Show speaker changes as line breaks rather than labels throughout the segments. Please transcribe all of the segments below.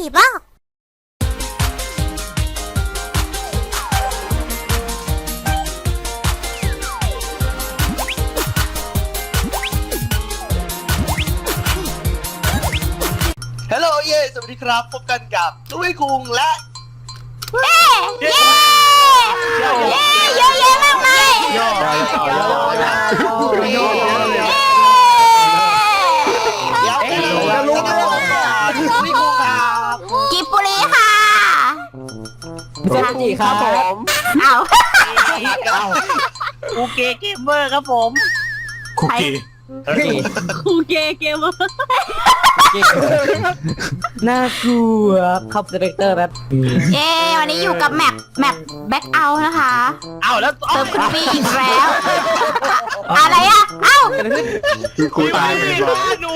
บ้า
ฮัลโหลเย่สวัสดีครับพบกันกับตุ้ยคุงและ
เย้เย้เย้เยอะแยะมากมาย
เดี๋ยวจะรู้ไหมตุ้ยคุงครับ
กิบบุรีค่ะ
สวัสดีครับผม
อ้าว
อูเกเกมเมอร์ครับผม
คุกกี้
อูเกเกมเมอร์น่ากลัวครับดีเรคเตอร์แบบ
เย้วันนี้อยู่กับแมปแบ็คเอาท์นะคะ
อ้าวแล้ว
เติมคุณพี่อีกแล้วอะไรอ่ะเอ้า
คือคุยตายไปก่อน
หนู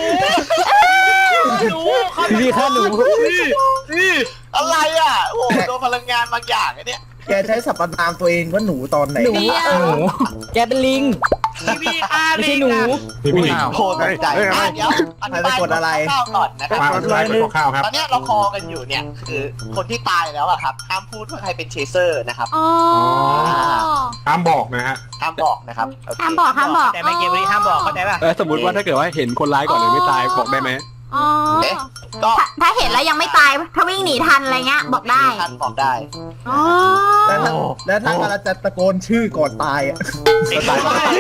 พี่ฆ่าหนู
นี่อะไรอ่ะโอ้โหโดนพลังงานบางอย่างไอ้เนี่ย
แกใช้สรรพนามตัวเองว่าหนูตอนไหน
หนูแกเป็นลิงไม่ใช่หนู
พี่พี่
โคตรใจเดี๋ยวอธิบายข้าวก่อนนะครับ
มาไลฟ์เป็นข้าวครับ
ตอนนี้เราคอกันอยู่เนี่ยคือคนที่ตายแล้วอะครับห้ามพูดว่าใครเป็นเชเซอร์นะครับ
อ๋อ
ห้ามบอกนะฮะ
ห้ามบอกนะครับ
ห้ามบอก
แต่ไม่เกมนี้ห้ามบอกเข้าใจป่ะ
สมมติว่าถ้าเกิดว่าเห็นคนร้ายก่อนเลยไม่ตายบอกได้ไหม
อ๋อ
ก็
ถ้าเห็นแล้วยังไม่ตายถ้าวิ่งหนีทันอะไรเงี้ยบอกได้
ท่านบอกได้
อ๋อ
แล้วถ้าเราจะตะโกนชื่อก่อนตายอ่ะ
ตาย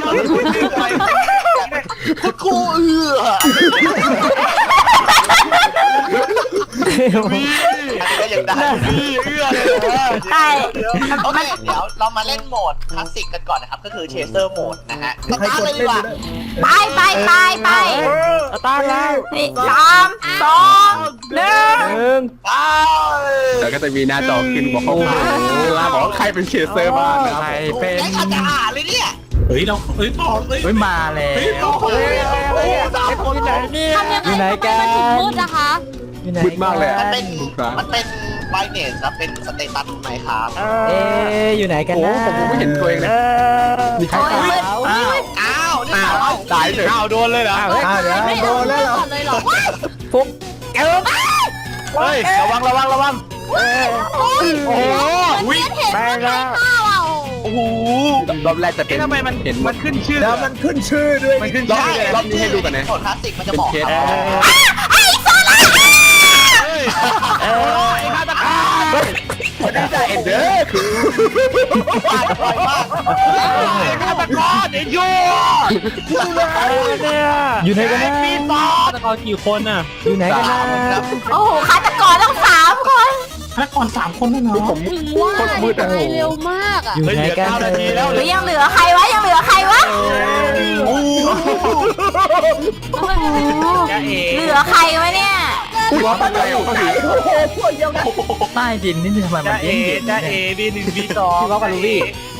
คุณครูก็ยังได้
ใช่
โอเคเดี๋ยวเรามาเล่นโหมดคลาสสิกกันก่อนนะครับก็คือเชเซอร์โหมดนะฮะส
ใคร
ตาร์
ก
ท
ด
เลยดี
เล่น
กว่า
เลย
ไป
ตาแล้ว
นี่3 2 1
แล้วก็จะมีหน้าจอขึ้นบอกข้อความเวลาบอกว่าใครเป็นเชสเซอร์บ้างนะครับ
เป็นไอ้ขัดจะอ่านเลยเนี่ย
เฮ้ยเราบอกเลย
ไม่มาแล้ว
โอ้โหสามคนไหนเนี่ย
อยู่ไหนกัน
มืดนะคะ
มืดมากเลย
มันเป็นไบเนสครับเป็นสเตตัสไหมครับ
อยู่ไหนกัน
โอ้
นะ
ผมไม่เห็นตัวเองเลยมีใคร
โอ้ย
ตาย
มืด
อ้าวนี่
ตายเลย
โดนเลยเหรอ
เดี๋ยวโดนแล้วเหรอ
เลยเหรอ
ฟุกเฮ้ยระวัง
โอ้ยเห็นว่าได้ข้าวอ่ะ
โอ้โห
รอบแรกจะเป็น
ทำไมมัน
เห็น
มันขึ้นชื่อ
แล้วมันขึ้นชื่อด้วย
มันขึ้น
รอบ
ชื่อ
รอบนี้ให้ดูกันนะ
โหมดคลาสสิกมันจะบอกครับ
ไอ้ฆาตกร
เอ็นเดอร์คือ
ปาดบ่อยมาก
ไอ้ฆาตกรไอ้ยูอยู่ไหนกันนะมีตอฆาตกรกี่คนอ่ะอยู่ไหนกันนะ
โอ้โหฆาตกรต้อง3 คน
แล้วก่อน3 คนด้วยเนาะ
ผมโคตรมืดอ่ะ
เร็วมากอ่ะ
อยู่ไหนกัน
หรือยังเหลือใครวะยังเหลือใครวะเหลือใครวะเนี่ย
ว่าปัจจัยของเขาถือ
ใต้ดินนี่ทำไมมันเย็นจ้าเอB1 B2พี่ว่ากับลูบี้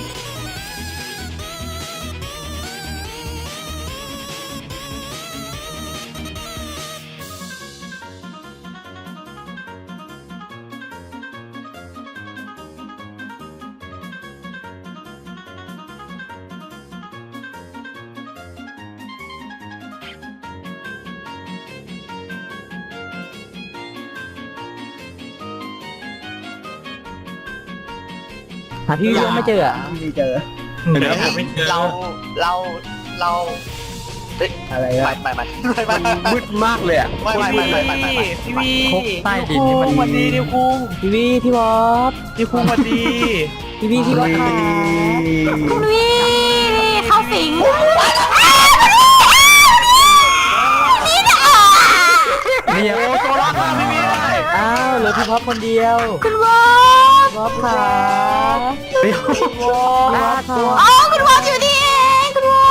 หาพี่ยังไม่เจออ่ะ
ไม่เจอ
เดี๋ยวไม่เจอ
เรา
อะไร
ไม่
อ่ะ
ไม่ไม่
มันมืดมากเลยอ่ะ
ไม่
พี่วีใต้ดินนี่มันวันดีนิวคุงพี่วีพี่วอฟนิวคุงวันดีพี่วีพี่วอฟ
คุณวี่นี่เข้าสิงนี่นะ
นี่โอ้โซล่าพี่วีอ้าวเหลือพี่วอฟคนเดียว
คุณวอ
วอฟค่ะพี่วอฟค่ะ
อ๋อคุณวออยู่นี่เองคุณวอ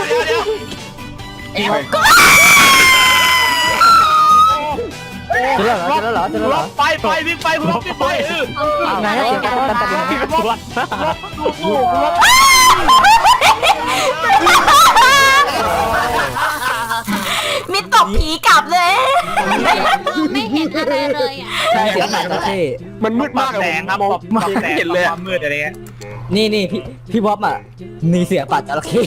เจอแล้วเหรอไปวิ่งไปวอฟวิ่งไปไหนเสียงกันตันวอฟ
มีตบผีกลับเลยไม่เห็นอะไรเลยอ่ะ
ใช่เสียงไหนก็เท่
มันมืดมากเลยมองไม่เห็นเลย
ความมืดอะไรเงี้ยนี่พี่วอฟอ่ะมีเสียงปัดจระเข้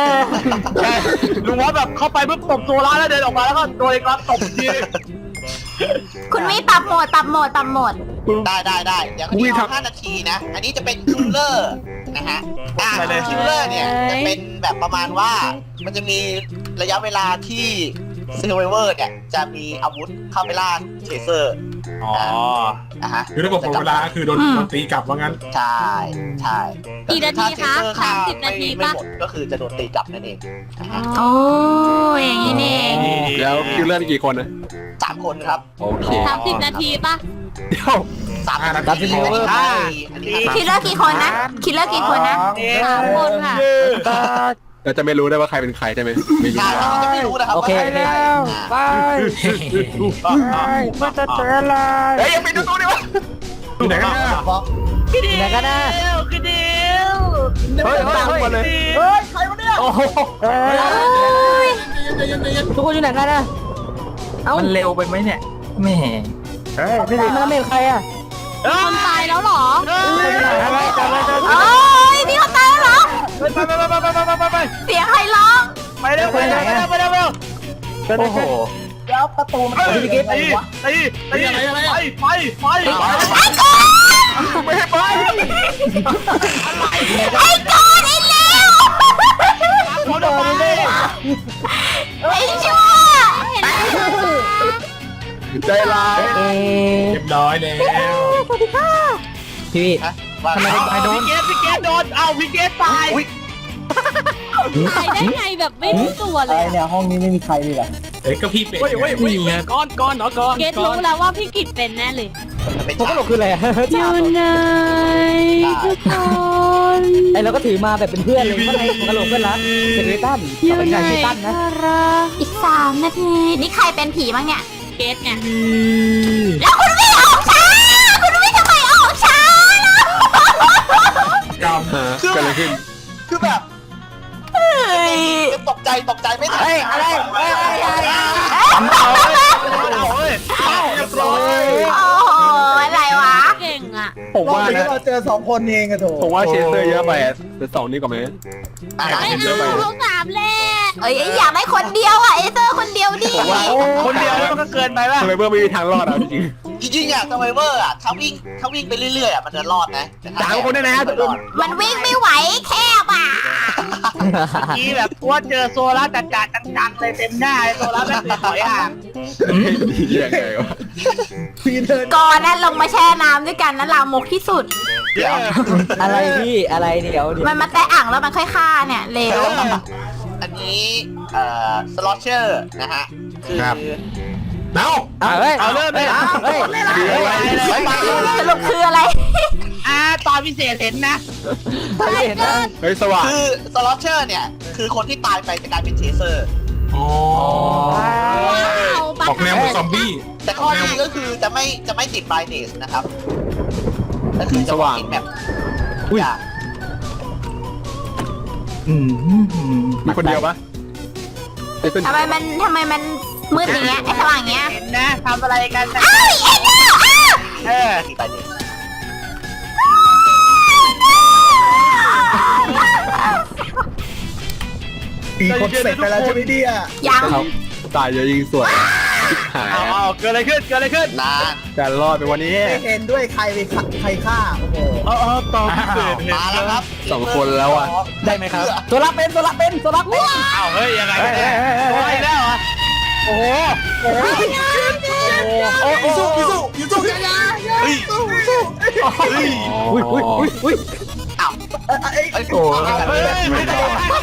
เออ
ลุงวอฟแบบเข้าไปปุ๊บตบตัวร้านแล้วเดินออกมาแล้วก็โดนรับตบที
คุณวิปรับโหมด
ได้เดี๋ยวนี้เอา5 นาทีนะ อันนี้จะเป็นคิลเลอร์นะฮะคิลเลอร์เนี่ยจะเป็นแบบประมาณว่ามันจะมีระยะเวลาที่เซอร์ไวเวอร์เนี่ยจะมีอาวุธเข้าไปล่าเทเซอร์
อ๋อ
นะฮะ
คือถ้าบอกเวลาคือโดนตีกลับว่างั้น
ใช่
กี่นาทีคะ30 นาที
ไม่
ปะ
หมดก็คือจะโดนตีกลับนั่นเองนะฮะ
โอ้ยอย่างนี้นี่เอง
แล้วคิวเลอร์กี่คนนะ
3 คนครับ
โอเค
30 นาทีปะ
เดี๋ยว
3 นาทีอันนี้
คิลเลอร์กี่คนนะ คิลเลอร์กี่คนนะ
3 คนค่ะ
เราจะไม่รู้ได้ว่าใครเป็นใครใช่ไหมไม่รู้
ใช่เราจะไม่รู้นะครับ
โอเค
แล้วไป
มันจะเจออะไร
เฮ้ยยังไปดูตู้ดิวะ
อยู่ไหนกันเนี่ย
ไหนกันนะ
คือเดียว
เฮ้ยตามมาเลย
เฮ้ยใครวะเนี่ย
โอ้โหทุกคนอยู่ไหนกันนะมันเร็วไปไหมเนี่ยแม่มันไม่ใครอ่ะ
คนตายแล้วเหรอ
โอ้ยมีคนตายแล้วเหรอ
ไป
เสียงใครร้อง
ไปเร็วไปเร็วไปเร็วโอ้โห
แล้วประตูมันเปิดยังไงวะ
ตีไป
ไม่ให้ไป
ไอ้กอนไอ้เลว
คนออกมาเลย
ไอ้ชั่ว
ใจร้าย
เรียบร้อยแล้ว
พี่
ว่า
ทำไมไปโดนพี่เกตโดนเอาพี่เกตตาย
ตายได้ไงแบบไม่รู้ตัวเลย
เนี่ยห้องนี้ไม่มีใครเลยเหรอ
เฮ้ยก็พี่เป็ด
ก้อนเหรอก้อน
เกตรู้แล้วว่าพี่กิจเป็นแน่เลย
เป็น
ผมก็หลบคืออะไรอ่ะ
อยู่ไหนทุกคน
ไอเราก็ถือมาแบบเป็นเพื่อนเลยก็เลยกระโหลกเพื่อนรักเซเรตัน
อยู่
เป็น
ไหน
ไงเซตันนะ
อีก3 นาที นี่ใครเป็นผีบ้างเนี่ย
เกตไง
แล้วคุณวิออกช้า คุณวิทำไมออกช้าล่ะ
กรรม
เกิดอะไรขึ้น
คือแบบ
เฮ้ย
ตกใจไม่ทัน
เฮ้ยอะไร
เรียบร้อย
โอ้โห อะไรวะ
เก่งอ่ะ
ผม
รอบ
ว่า
นี้
นะ
เราเจอ2 คนเองอะโถ
ผมว่าเชสเตอร์เยอะไปแต่2นี่ก่อนไหม
ไม่เอาเขา3แหละ
เอ้ยอยากได้คนเดียวอ่ะเอเซอร์คนเดียวดิ
ผมว่า
คนเดียวมันก็เกินไปป่ะ
ทำไมเบอร์ไม่มีทางรอดอ่ะจริง
จริงๆอ่ะซัมไวเวอร์อ่ะถ้าวิ่งไปเรื่อยๆอ่ะมันจะรอดนะแต่ถ้
3 คนด้วยนะ
ไม่รอด
มันวิ่งไม่ไหวแคบอ่ะ
กี้แบบว่าเจอโซล่าจัดจังเลยเต็มหน้าโซล่าแบบถอยห่าง
ยังไงวะ
พี่เดิน
ก่อนนั้นลงมาแช่น้ำด้วยกันนะลามกที่สุด
เดี๋ยว
อะไรพี่อะไรเดี๋ยว
มันมาแตะอ่างแล้วมันค่อยฆ่าเนี่ยเร็ว
อันนี้สล็อตเชอร์นะฮะคือ
เอ้า
เฮ้ยเอาเริ่มเลยเฮ้ย
สรุปคืออะไร
ตอนพิเศษเห็นนะเห็นนะ
เฮ้ยสว่าง
คือสล็อตเชอร์เนี่ยคือคนที่ตายไปจะกลายเป็นเชเซอร์
อ๋อ
ว้าว
ออกแนวเหมือนซอมบี้
แต่ข้อดีก็คือจะไม่ติดไบเนสนะครับก็คือจะกินแบบอย่าง
มีคนเดียวปะ
ทำไมมันมืดอย่างเงี้ยไอ้สว่างอย่างเงี้ย
เห็นนะทำอะไรกัน
อ้าวเอ็นเนอร์อ้าว
ติดไบเนส
ปีคนเสร็จไปแล้วใช่ไหมเนี่ย
ยัง
เขาตายเยอะยิงสวยหาย
เอาเกิดอะไรขึ้น
นาน
การรอดไปวันนี้
ไม่เห็นด้วยใครฆ่าโอ้โห
ตอนพิเศษ
มาแล้วครับ
2 คนแล้วอ่ะ
ได้ไหมครับโซล่าเป็นอ้าวเฮ้ยยังไงโอ้ยแล้วอ่ะโอ้โหโอ้โหโอ้โห
ยูสู้กันนะ
เฮ้ย
อุ้ย
อ้าว
ไอ้
ไอ้โอ้ย
ไม่ได้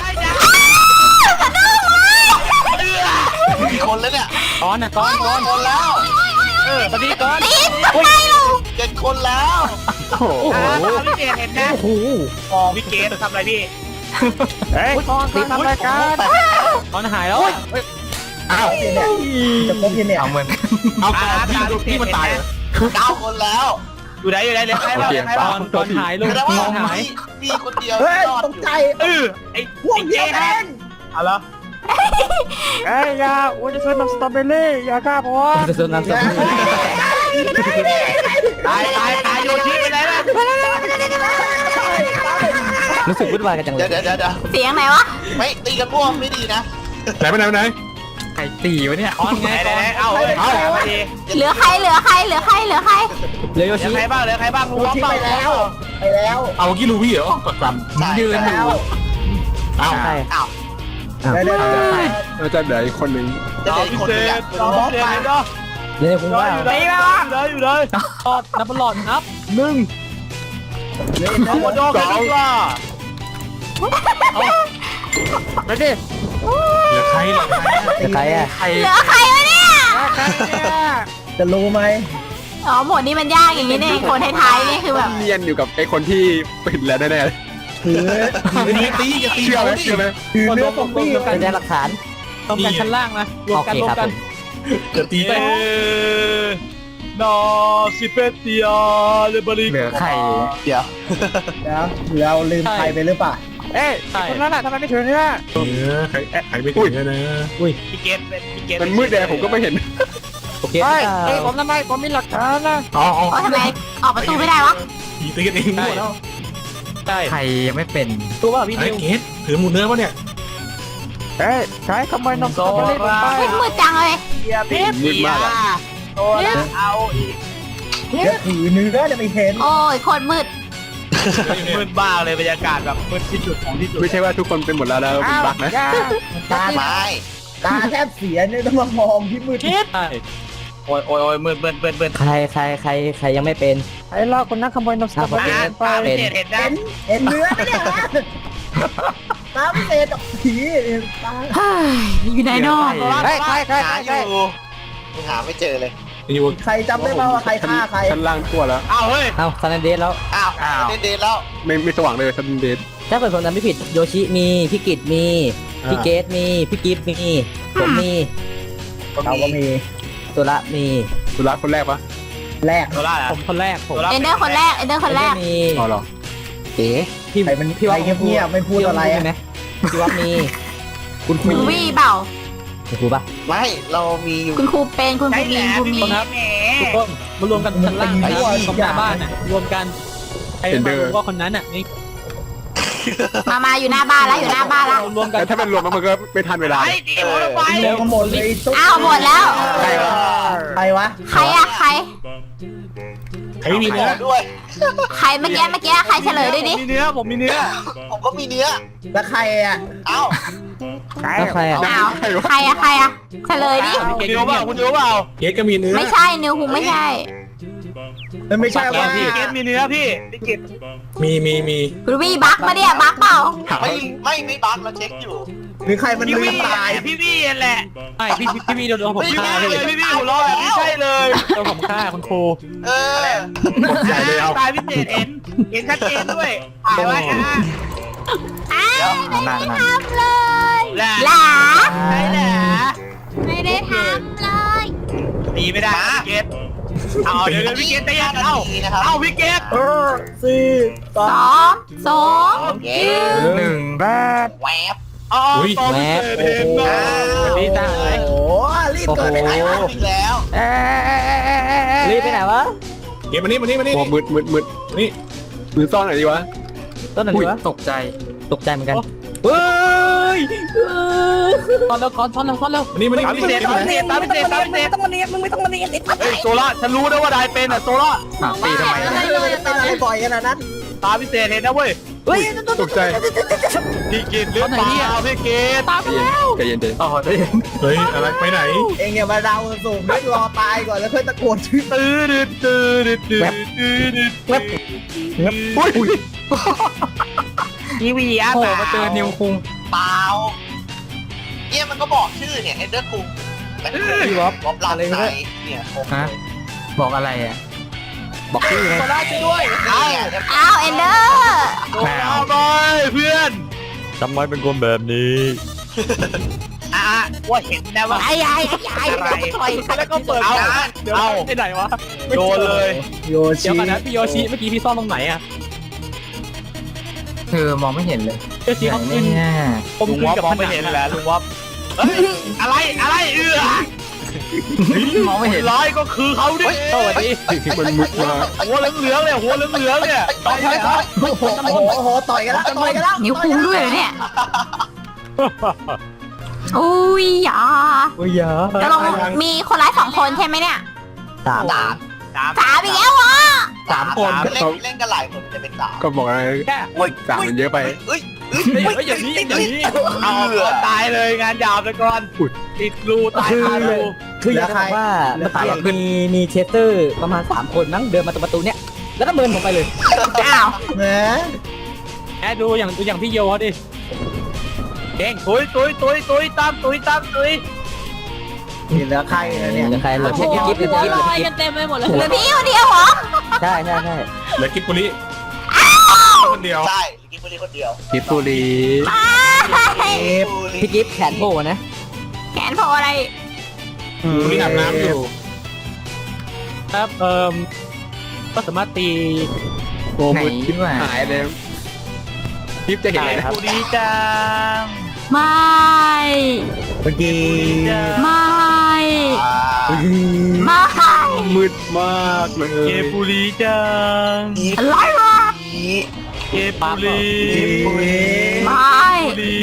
กี่คนแล้วเนี่ย
ก้อนนะก้อน
คนแล้ว
ตอนนี้ก้อน
ตีทำไมเรา
7 คนแล้ว
โอ้โห
พี่เกดเห็นนะโอ้พี่เกดทำอะไรพี่เฮ้ยตีทำอะไรกันก้อนหายแล้ว
อ้าว
เนี่ยจะพบยังเนี่ย
เอาพี่มันตาย
9 คนแล้ว
อยู่ไหนเหลือใครบ้างก้อนหายลูก
แสดงว่า
ก้อนหาย
มีคนเดียว
เฮ้ย
รอด
ต
อก ยู่
ใจ
ไอ้
พวกเดียวเอง
เอาละไอ้ยาอ้วนจะซื้อน้ำสตรอเบอรี่ยากล้าพอจะซื้อน้ำสตรอเบอรี่ตายโยชิไปไหนล่ะรู้สึกวุ่นวายกันจังเลย
เดี๋ยว
เสียงไหนวะ
ไม่ตีกันม่วงไม่ดีนะ
ไหนไปไหน
ใครตีวะเนี่ยอ๋อไงเอามาดี
เหลือใครเหลือใครเหลือใครเหลือใคร
เหลือใครบ้างเหลือใครบ้าง
กูที่ไปแล้วไปแล้ว
เอากี้ลูวี่เหรอปักปั๊ม
ยืนอยู่
อ้าว
อ้าว
ได้ได้ได้
เราจะเหลืออีกคนหนึ่ง
จะเหลืออีกคนนึง
รอบอสไป
เลยคุณว่าอยู่เลยนับหลอดนับ1
หัวโดน
ไปดิ
เหลือใครเหลือใคร
ใครอ่ะ
เหลือใครวะเนี่ย
จะรู้ไหม
อ๋อหมดนี้มันยากอย่างนี้เนี่ยคนท้ายๆนี่คือแบบ
เนียนอยู่กับไอ้คนที่ปิดแล้วแน่
ถือ
อย่าตีอย่าตี
ๆเชื่อไหมเชื่อไหม
ถือเนื้อซอมบี้
การแสดงหลักฐานต้องกันชั้นล่างนะรวมกัน
อย่าตีไป
นอซิเปเตียเลเบริเหลือใคร
เดี๋ยว
นะเราลืมใครไปหรือเปล่า
เอ้ยคนนั้นแหละทำไมไม่ถึงเนี่ย
ใครไม่ถึงนะ
พี่เกตเป็นพี่เกต
มันมืดแดงผมก็ไม่เห็น
โอเคเฮ้ยผมทำไมผมมีหลักฐานนะ
อ๋อ
โอ้ทำไมออกประตูไม่ได้วะ
ตีตีกันเองหมดแล้ว
ใช่ใครยังไม่เป็นตัวว่าพี่
ไอ้
นิว
เกสถือหมูเนื้อปะเนี่ย
เอ้ยใช้ขโมยนมสตรอเบอรี่ผมไป
มืดจังเลย
มืดมากอะ
ตัวเอาอีก
จะถือเนื้อจะไม่เห็น
โอ้ยโคตรมืด
มืดบ้าเลยบรรยากาศแบบมืดที่สุดของที่สุด
ไม่ใช่ว่าทุกคนเป็นหมดแล้วแล้วเป็นบั๊กนะ
ตา
ไม่
ตาแทบเสียเนี่ยต้องมามองที่มืด
ใช่โอ้ยมืด
ใครยังไม่เป็น
ไอ้ล่าคนนั้นขโมยนมสตรอเบอรี่ไปเห็นนะ
เห็นเนื้อไหมเนี่ยตาไม่เศษผีตา
เฮ้ยอยู่ไหนเนาะ
ใคร
หาอยู่ยังหาไม่เจอเลย
อยู่
ใครจำได้บ้างว่าใครฆ่าใคร
ชั้นล่างทั่วแล้ว
อ้าวเฮ้ย
เอ้าซันเดสแล้ว
อ้าวเด่นๆแล้ว
ไม่สว่างเลยชั้นเดน
ถ้าเกิดผมจำไม่ผิดโยชิมีพี่กิตมีพี่เกตมีพี่กิฟต์มีผมมี
เราก็มี
ตุระมี
สุระคนแรกปะ
แรก
ตัวล่าผมคนแรกผม
เอนเดอร์คนแรกเอนเดอร์คนแรก
มี
อ๋อเหรอ
เอ๋พี่
ใครมันใครเงียบๆไม่พูดอะไร
ใช่ไหมพี่ว่ามีคุณครู
คุณวี่เปล่า
คุณครูปะ
ไม่เรามีอยู่
คุณครูเป็นคุณครูมีคุณมี
ครับทุกคนมารวมกันชั้นล่างของหน้าบ้านน่ะรวมกันใครมารู้ว่าคนนั้นอ่ะนี่
มาอยู่หน้าบ้านแล้วอยู่หน้าบ้านแล้ว
รวมกัน
แต่ถ้าเป็นรวมมันก็ไม่ทันเวลา
เร็วกันหมดเลยตุ๊ก
อ้าวหมดแล้ว
ใครวะ
ใครวะ
ใครอะใคร
ใครไม่มีเนื้อ
ด้วย
ใครเมื่อกี้ใครเฉลยด้วยดิ
มีเนื้อผมมีเนื้อ
ผมก็มีเนื้อ
แล้วใครอ่ะ
เอ้า
แล้วใครอ่ะ
อ้าวใครอะเฉลยดิ
คุณรู้เปล่าคุณรู้เปล่า
เกสก็มีเนื้อ
ไม่ใช่นิวคุงไม่ใช่
มันไม่ใช่ว่า
พี่เกตมีเนื้อพี่เกต
มี
คุณวี่บักมาเนี่ยบักเปล่า
ไม่บั๊กเราเช็คอยู่
หรือใครมัน
พี่
ลื
วี่
มตาย
พี่วี่แหละไอพี่วี่โดนผมฆ่าเลยพี่วี่หัวเราะแบบนี้ใช่เลยโดนผมฆ่าคุณครู
เออ
ใหญ่เลยเอา
ตายพิเศษเห็นชัดเจนด้วยถ่ายไว้อ่ะ
อ้าวไม่ได้ทำเลย
แหละ
หลา
ใช่แหละ
ไม่ได้ทำเลย
ตีไม่ได้พี่เกตเอาเดี๋ยวพี่เกตใจเย็นเอาพี่เกต
สี่สอ
สอง
เย้
1 บาท
แวบ
อ๋อตอนพิเศษเห็นนะดีจ้า
โอ้รีบเกิดไปไหนวะ
อีกแล้ว
รีบไปไหนวะ
เกสมานี่
โอ้มืด
นี่
นี่มือซ่อนหน่อยดีวะ
ต้นไหนวะตกใจเหมือนกัน
เฮ้ยตอนแล้วก่อนตอนแล้ว
มานี่
ตามพิเศษต้องมาเนียนมึงไม่ต้องมาเนียนเฮ้ยโซล่าฉันรู้นะว่าได้เป็นอ่ะโซล่า
ตีทำไมเป็นอะไรบ่อยขนาดนั้น
ตามพิเศษเห็นนะเว้ย
ตกใจ
พี่กินหรือเปล่าพี่กินตาม
ใจเย็น
อ๋อได้
เฮ้ยอะไรไปไหน
เองอย่ามาเดาสูงไม่รอตายก่อนแล้วค่อยตะโกนชื่อ
อุ้ย
ทีวีอ่ะ
โอ้มาเจอนิวคุง
เปล่าเนี่ยมันก็บอกชื่อเนี่ยเอเดอร์คุง
พี่วอฟ
บ๊อบลาไซเนี่ยผม
ฮะบอกอะไรอ่ะบอกชื่อไง
โซล่าช่วยด้วย
อ้าวเอนเดอร์
โซล่าบอยเพื่อนทำไมเป็นคนแบบนี้ว่าเห็นนะว่าอะไรแล้วก็เปิดเดี๋ยวไปไหนวะโดนเลย
โย
เดี๋
ชิ
ยวก่อนนะพี่โยชิเมื่อกี้พี่ซ่อนตรงไหนอะ
มองไม่เห็นเลย
โยชิเขาขึ้น
เนี่ย
ผมขึ้นกับมองไม่เห็นแล้วลุงวอฟอะไร
มองไม่เห็น
ร้อยก็คือเขาดิสวัสดี
มันมุดมา
หัวเหลืองๆเนี่ยหัวเหลืองๆเนี่ย
โอ้โหต่อยกันแล้วต่อยกันแล้ว
นิ้วคุงด้วยเหรอเนี่ยอุ้ยอย่า
โอ้ยอย่า
จะลงมีคนร้าย2 คนใช่ไหมเนี่ย
สาม
3อีกแล้วเหรอ
3 คน
เล่นกันหลายคนจะเป็น3
ก็บอกอะไร
แค่
สามมันเยอะไป
เอ้ย
เฮ้ยอย่างนี้เอาตายเลยงานยาวไปก่อนติดรูตายคารู
คืออยากจะบอกว่าเมื่อกี้มีเชสเตอร์ประมาณ3 คนมั้งเดินมาตรงประตูเนี้ยแล้วก็เมินผมไปเลย
อ้าว
แหม
แค่ดูอย่างพี่โยดิเก่งตุยตามตุย
นี่เหลือใครนะเนี่ย
เหลือใครเหลือ
โอ้
พี่
โห
กิ๊บเหลือ
หัว
พี่กิ๊บ
ลอยกันเต็มไปหมดเลย
เหลือพี่คนเดียวเหรอ
ใช่
เหลือกิบปุริคนเดียว
ใช่กินบุรีคนเดียว
พิษบุรี
พี่กิ๊บแขนโผล่นะ
แขนโผล่อะไร
ปุริอาบน้ำอยู่
ครับก็สามารถตี
โอ้มืดคิดหายเลยคลิปจะเห็นเลยนะครับ
บุรีจัง
ไม่
เมื่อกี้
ไม่ ไม่
มืดมากเลย
เกบุรีจัง
อะไรวะ
เกบุรี
ไม่
บุรี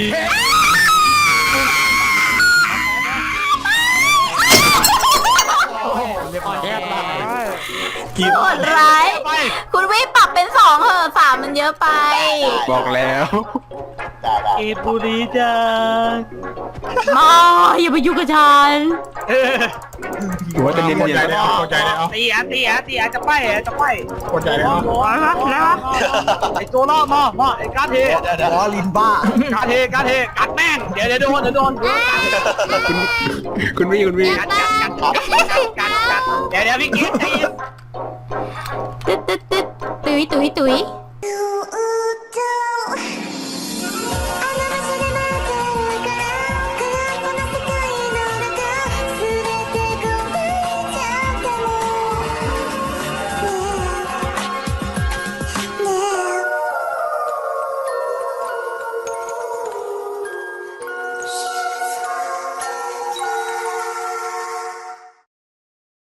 กิบ
โหดร้าย
ไป
คุณวิปรับเป็น2เหอะ3มันเยอะไป
บอกแล้ว
เกบุรีจัง
มาอย่าไปยุ่งกับฉัน
ถือว่าจะเนียน
เข้า
เนีย
ใจ
น
แล้วเข้าใจแล้ว
ตีจะไป
เข้าใจแล้ว
ไอตัวล่อมาไอการเท
ล้อลินบ้า
การเทกัดแม่งเดี๋ยวโดน
คุณวี่
กัดเดี๋ยวพี่กิ๊ฟ
ตึ๊ดตึ๊ดตึ๊ดตุยตุยตุย